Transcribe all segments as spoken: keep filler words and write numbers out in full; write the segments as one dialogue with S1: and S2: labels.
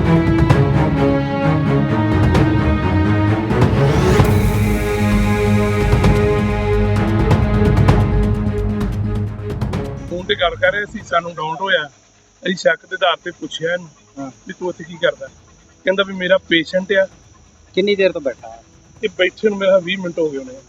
S1: Phone ਤੇ ਗੱਲ ਕਰ ਰਹੇ ਸੀ, ਸਾਨੂੰ ਡਾਊਟ ਹੋਇਆ। ਅਸੀਂ ਸ਼ੱਕ ਦੇ ਆਧਾਰ ਤੇ ਪੁੱਛਿਆ ਇਹਨੂੰ
S2: ਹਾਂ।
S1: ਵੀ ਤੂੰ ਇੱਥੇ ਕੀ ਕਰਦਾ। ਕਹਿੰਦਾ ਵੀ ਮੇਰਾ ਪੇਸ਼ੈਂਟ ਆ।
S2: ਕਿੰਨੀ ਦੇਰ ਤੋਂ ਬੈਠਾ ਹੈ?
S1: ਇਹ ਬੈਠੇ ਨੂੰ ਮੇਰਾ ਵੀਹ ਮਿੰਟ ਹੋ ਗਏ ਹੋਣੇ।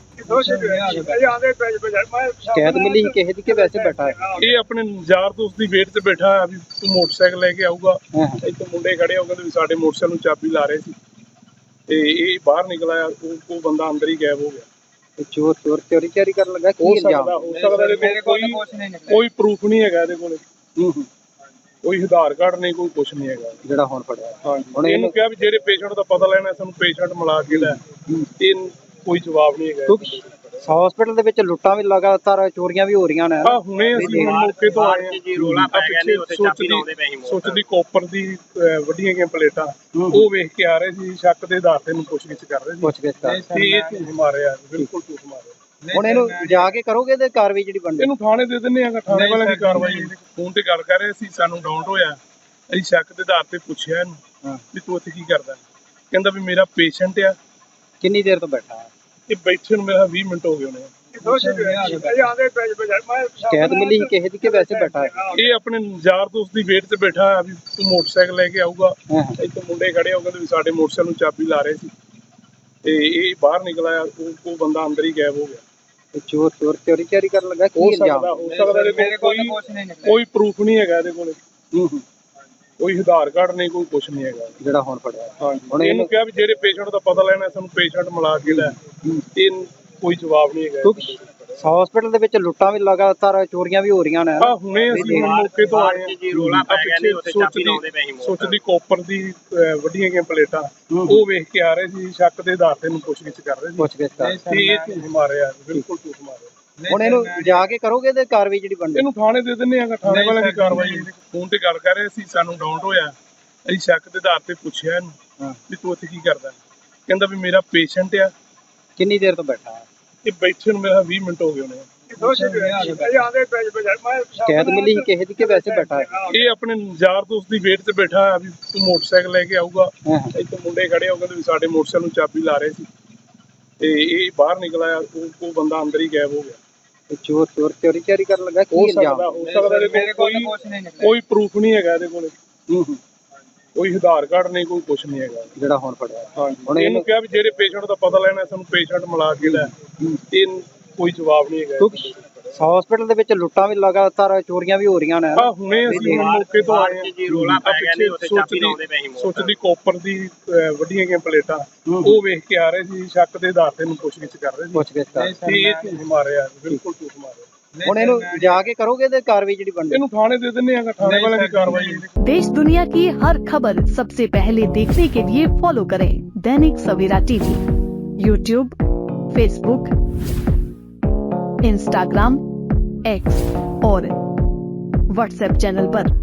S2: ਸ਼ਿਕਾਇਤ ਮਿਲੀ ਸੀ ਕਿਸੇ ਦੀ ਕਿ ਵੈਸੇ ਬੈਠਾ ਹੈ?
S1: ਇਹ ਆਪਣੇ ਯਾਰ ਦੋਸਤ ਦੀ ਵੇਟ ਤੇ ਬੈਠਾ ਆ ਵੀ ਤੂੰ ਮੋਟਰਸਾਈਕਲ ਲੈ ਕੇ ਆਊਗਾ।
S2: ਹਾਂ ਹਾਂ।
S1: ਇੱਥੇ ਮੁੰਡੇ ਖੜੇ ਹੋ ਕਹਿੰਦੇ ਵੀ ਸਾਡੇ ਮੋਟਰਸਾਈਕਲ ਨੂੰ ਚਾਬੀ ਲਾ ਰਹੇ ਸੀ ਤੇ ਇਹ ਬਾਹਰ ਨਿਕਲ ਆਇਆ। ਉਹ ਉਹ ਬੰਦਾ ਅੰਦਰ ਹੀ ਗਾਇਬ ਹੋ ਗਿਆ।
S2: ਤੇ ਚੋਰ ਚੋਰ ਚੋਰੀ ਚਾਰੀ ਕਰਨ ਲੱਗਾ ਕੀ
S1: ਹੋ
S2: ਇਲਜ਼ਾਮ?
S1: ਸਕਦਾ ਹੋ ਸਕਦਾ ਇਹਦੇ ਕੋਲ ਕੋਈ ਕੋਈ ਪ੍ਰੂਫ ਨਹੀਂ ਹੈਗਾ ਇਹਦੇ ਕੋਲ।
S2: ਹੂੰ ਹੂੰ।
S1: ਕੋਈ ਆਧਾਰ ਕਾਰਡ ਨਹੀਂ, ਕੋਈ ਕੁਛ ਨਹੀਂ ਹੈਗਾ
S2: ਜਿਹੜਾ ਹੁਣ ਫੜਿਆ।
S1: ਹਾਂਜੀ।
S2: ਹੁਣ
S1: ਇਹਨੂੰ
S2: ਇਹਨੂੰ
S1: ਕਿਹਾ ਵੀ ਜਿਹੜੇ ਪੇਸ਼ੈਂਟ ਦਾ ਪਤਾ ਲੈਣਾ ਸਾਨੂੰ ਪੇਸ਼ੈਂਟ ਮਿਲਾ ਕੇ ਲੈ। ਇਹ ਕੋਈ ਜਵਾਬ ਨਹੀਂ ਹੈਗਾ।
S2: ਹਸਪੀਟਲ ਦੇ ਵਿੱਚ ਲੁੱਟਾਂ ਵੀ ਲਗਾਤਾਰ, ਚੋਰੀਆਂ ਵੀ ਹੋ ਰਹੀਆਂ ਨੇ।
S1: ਆ ਹੁਣੇ ਅਸੀਂ ਹੁਣ ਮੌਕੇ ਤੋਂ ਆਏ ਹਾਂ।
S3: ਜੀ ਰੋਲਾ ਪੈ ਗਿਆ ਨੇ ਉੱਥੇ ਚਾਬੀ ਲਾਉਂਦੇ ਪਏ ਸੀ।
S1: ਸੁੱਚ ਦੀ ਕੋਪਰ ਦੀ ਅਹ, ਵੱਡੀਆਂ ਗਈਆਂ ਪਲੇਟਾਂ ਉਹ ਵੇਖ ਕੇ ਆ ਰਹੇ ਸੀ। ਸ਼ੱਕ ਦੇ ਆਧਾਰ ਤੇ ਨੂੰ ਪੁੱਛਗਿੱਛ ਕਰ ਰਹੇ ਸੀ
S2: ਪੁੱਛਗਿੱਛ ਕਰ
S1: ਤੇ ਇਹ ਝੂਠ ਮਾਰਿਆ, ਬਿਲਕੁਲ ਝੂਠ ਮਾਰਿਆ।
S2: ਹੁਣ ਇਹਨੂੰ ਜਾ ਕੇ ਕਰੋਗੇ ਤੇ ਕਾਰਵਾਈ ਜਿਹੜੀ ਬਣਦੀ?
S1: ਇਹਨੂੰ ਥਾਣੇ ਦੇ ਦਿੰਦੇ ਆ, ਥਾਣੇ ਵਾਲਿਆਂ ਦੀ ਕਾਰਵਾਈ। ਫੋਨ ਤੇ ਗੱਲ ਕਰ ਰਹੇ ਸੀ, ਸਾਨੂੰ ਡਾਊਟ ਹੋਇਆ। ਅਸੀਂ ਸ਼ੱਕ ਦੇ ਆਧਾਰ ਤੇ ਪੁੱਛਿਆ ਇਹਨੂੰ
S2: ਹਾਂ।
S1: ਵੀ ਤੂੰ ਇੱਥੇ ਕੀ ਕਰਦਾ। ਕਹਿੰਦਾ ਵੀ ਮੇਰਾ ਪੇਸ਼ੈਂਟ ਆ।
S2: ਕਿੰਨੀ ਦੇਰ ਤੋਂ ਬੈਠਾ ਹੈ?
S1: ਇਹ ਬੈਠੇ ਨੂੰ ਮੇਰਾ ਵੀਹ ਮਿੰਟ ਹੋ ਗਏ ਹੋਣੇ।
S2: ਸ਼ਿਕਾਇਤ ਮਿਲੀ ਸੀ ਕਿਸੇ ਦੀ ਕਿ ਵੈਸੇ ਬੈਠਾ ਹੈ?
S1: ਇਹ ਆਪਣੇ ਯਾਰ ਦੋਸਤ ਦੀ ਵੇਟ ਤੇ ਬੈਠਾ ਆ ਵੀ ਤੂੰ ਮੋਟਰਸਾਈਕਲ ਲੈ ਕੇ ਆਊਗਾ।
S2: ਹਾਂ ਹਾਂ।
S1: ਇੱਥੇ ਮੁੰਡੇ ਖੜੇ ਹੋ ਕਹਿੰਦੇ ਵੀ ਸਾਡੇ ਮੋਟਰਸਾਈਕਲ ਨੂੰ ਚਾਬੀ ਲਾ ਰਹੇ ਸੀ ਤੇ ਇਹ ਬਾਹਰ ਨਿਕਲ ਆਇਆ। ਉਹ ਉਹ ਬੰਦਾ ਅੰਦਰ ਹੀ ਗਾਇਬ ਹੋ ਗਿਆ।
S2: ਤੇ ਚੋਰ ਚੋਰ ਚੋਰੀ ਚਾਰੀ ਕਰਨ ਲੱਗਾ ਕੀ
S1: ਹੋ
S2: ਇਲਜ਼ਾਮ?
S1: ਸਕਦਾ ਹੋ ਸਕਦਾ ਇਹਦੇ ਕੋਲ ਕੋਈ ਕੋਈ ਪ੍ਰੂਫ ਨਹੀਂ ਹੈਗਾ ਇਹਦੇ ਕੋਲ।
S2: ਹੂੰ ਹੂੰ।
S1: ਕੋਈ ਆਧਾਰ ਕਾਰਡ ਨਹੀਂ, ਕੋਈ ਕੁਛ ਨਹੀਂ ਹੈਗਾ।
S2: ਜਿਹੜਾ ਹੁਣ ਫੜਿਆ।
S1: ਹਾਂਜੀ।
S2: ਹੁਣ
S1: ਇਹਨੂੰ ਕਿਹਾ ਵੀ ਜਿਹੜੇ ਪੇਸ਼ੈਂਟ ਦਾ ਪਤਾ ਲੈਣਾ ਸਾਨੂੰ ਪੇਸ਼ੈਂਟ ਮਿਲਾ ਕੇ ਲੈ। ਇਹ ਕੋਈ ਜਵਾਬ ਨਹੀਂ ਹੈਗਾ।
S2: ਹਸਪੀਟਲ ਦੇ ਵਿੱਚ ਲੁੱਟਾਂ ਵੀ ਲਗਾਤਾਰ, ਚੋਰੀਆਂ ਵੀ ਹੋ ਰਹੀਆਂ ਨੇ।
S1: ਆ ਹੁਣੇ ਅਸੀਂ ਹੁਣ ਮੌਕੇ ਤੋਂ ਆਏ ਹਾਂ।
S3: ਜੀ ਰੋਲਾ ਪੈ ਗਿਆ ਨੇ ਉੱਥੇ ਚਾਬੀ ਲਾਉਂਦੇ ਪਏ ਸੀ।
S1: ਸੁੱਚ ਦੀ ਕੋਪਰ ਦੀ ਅਹ, ਵੱਡੀਆਂ ਗਈਆਂ ਪਲੇਟਾਂ ਉਹ ਵੇਖ ਕੇ ਆ ਰਹੇ ਸੀ। ਸ਼ੱਕ ਦੇ ਆਧਾਰ ਤੇ ਨੂੰ ਪੁੱਛਗਿੱਛ ਕਰ ਰਹੇ ਸੀ
S2: ਪੁੱਛਗਿੱਛ ਕਰ
S1: ਤੇ ਇਹ ਝੂਠ ਮਾਰਿਆ, ਬਿਲਕੁਲ ਝੂਠ ਮਾਰਿਆ।
S2: ਹੁਣ ਇਹਨੂੰ ਜਾ ਕੇ ਕਰੋਗੇ ਤੇ ਕਾਰਵਾਈ ਜਿਹੜੀ ਬਣਦੀ?
S1: ਇਹਨੂੰ ਥਾਣੇ ਦੇ ਦਿੰਦੇ ਆ, ਥਾਣੇ ਵਾਲਿਆਂ ਦੀ ਕਾਰਵਾਈ। ਫੋਨ ਤੇ ਗੱਲ ਕਰ ਰਹੇ ਸੀ, ਸਾਨੂੰ ਡਾਊਟ ਹੋਇਆ। ਅਸੀਂ ਸ਼ੱਕ ਦੇ ਆਧਾਰ ਤੇ ਪੁੱਛਿਆ ਇਹਨੂੰ
S2: ਹਾਂ।
S1: ਵੀ ਤੂੰ ਇੱਥੇ ਕੀ ਕਰਦਾ। ਕਹਿੰਦਾ ਵੀ ਮੇਰਾ ਪੇਸ਼ੈਂਟ ਆ।
S2: ਕਿੰਨੀ ਦੇਰ ਤੋਂ ਬੈਠਾ ਹੈ?
S1: ਇਹ ਬੈਠੇ ਨੂੰ ਮੇਰਾ ਵੀਹ ਮਿੰਟ ਹੋ ਗਏ ਹੋਣੇ।
S2: ਸ਼ਿਕਾਇਤ ਮਿਲੀ ਸੀ ਕਿਸੇ ਦੀ ਕਿ ਵੈਸੇ ਬੈਠਾ ਹੈ?
S1: ਇਹ ਆਪਣੇ ਯਾਰ ਦੋਸਤ ਦੀ ਵੇਟ ਤੇ ਬੈਠਾ ਆ ਵੀ ਤੂੰ ਮੋਟਰਸਾਈਕਲ ਲੈ ਕੇ ਆਊਗਾ।
S2: ਹਾਂ ਹਾਂ।
S1: ਇੱਥੇ ਮੁੰਡੇ ਖੜੇ ਹੋ ਕਹਿੰਦੇ ਵੀ ਸਾਡੇ ਮੋਟਰਸਾਈਕਲ ਨੂੰ ਚਾਬੀ ਲਾ ਰਹੇ ਸੀ ਤੇ ਇਹ ਬਾਹਰ ਨਿਕਲ ਆਇਆ। ਉਹ ਉਹ ਬੰਦਾ ਅੰਦਰ ਹੀ ਗਾਇਬ ਹੋ ਗਿਆ।
S2: ਤੇ ਚੋਰ ਚੋਰ ਚੋਰੀ ਚਾਰੀ ਕਰਨ ਲੱਗਾ ਕੀ
S1: ਹੋ
S2: ਇਲਜ਼ਾਮ?
S1: ਸਕਦਾ ਹੋ ਸਕਦਾ ਇਹਦੇ ਕੋਲ ਕੋਈ ਕੋਈ ਪ੍ਰੂਫ ਨਹੀਂ ਹੈਗਾ ਇਹਦੇ ਕੋਲ।
S2: ਹੂੰ ਹੂੰ।
S1: ਕੋਈ ਆਧਾਰ ਕਾਰਡ ਨਹੀਂ, ਕੋਈ ਕੁਛ ਨਹੀਂ ਹੈਗਾ।
S2: ਜਿਹੜਾ ਹੁਣ ਫੜਿਆ।
S1: ਹਾਂਜੀ।
S2: ਹੁਣ
S1: ਇਹਨੂੰ ਕਿਹਾ ਵੀ ਜਿਹੜੇ ਪੇਸ਼ੈਂਟ ਦਾ ਪਤਾ ਲੈਣਾ ਸਾਨੂੰ ਪੇਸ਼ੈਂਟ ਮਿਲਾ ਕੇ ਲੈ। ਇਹ ਕੋਈ ਜਵਾਬ ਨਹੀਂ ਹੈਗਾ।
S2: ਹਸਪੀਟਲ ਦੇ ਵਿੱਚ ਲੁੱਟਾਂ ਵੀ ਲਗਾਤਾਰ, ਚੋਰੀਆਂ ਵੀ ਹੋ ਰਹੀਆਂ ਨੇ।
S1: ਆ ਹੁਣੇ ਅਸੀਂ ਹੁਣ ਮੌਕੇ ਤੋਂ ਆਏ ਹਾਂ।
S3: ਜੀ ਰੋਲਾ ਪੈ ਗਿਆ ਨੇ ਉੱਥੇ ਚਾਬੀ ਲਾਉਂਦੇ ਪਏ ਸੀ।
S1: ਸੁੱਚ ਦੀ ਕੋਪਰ ਦੀ ਅਹ, ਵੱਡੀਆਂ ਗਈਆਂ ਪਲੇਟਾਂ ਉਹ ਵੇਖ ਕੇ ਆ ਰਹੇ ਸੀ। ਸ਼ੱਕ ਦੇ ਆਧਾਰ ਤੇ ਨੂੰ ਪੁੱਛਗਿੱਛ ਕਰ ਰਹੇ ਸੀ
S2: ਪੁੱਛਗਿੱਛ ਕਰ
S1: ਤੇ ਇਹ ਝੂਠ ਮਾਰਿਆ, ਬਿਲਕੁਲ ਝੂਠ ਮਾਰਿਆ।
S2: ਹੁਣ ਇਹਨੂੰ ਜਾ ਕੇ ਕਰੋਗੇ ਤੇ ਕਾਰਵਾਈ ਜਿਹੜੀ ਬਣਦੀ?
S1: ਇਹਨੂੰ ਥਾਣੇ ਦੇ ਦਿੰਦੇ ਆ, ਥਾਣੇ ਵਾਲਿਆਂ ਦੀ ਕਾਰਵਾਈ।
S4: देश दुनिया की हर खबर सबसे पहले देखने के लिए फॉलो करें Dainik Savera TV, YouTube, Facebook, Instagram, X और व्हाट्सएप चैनल पर।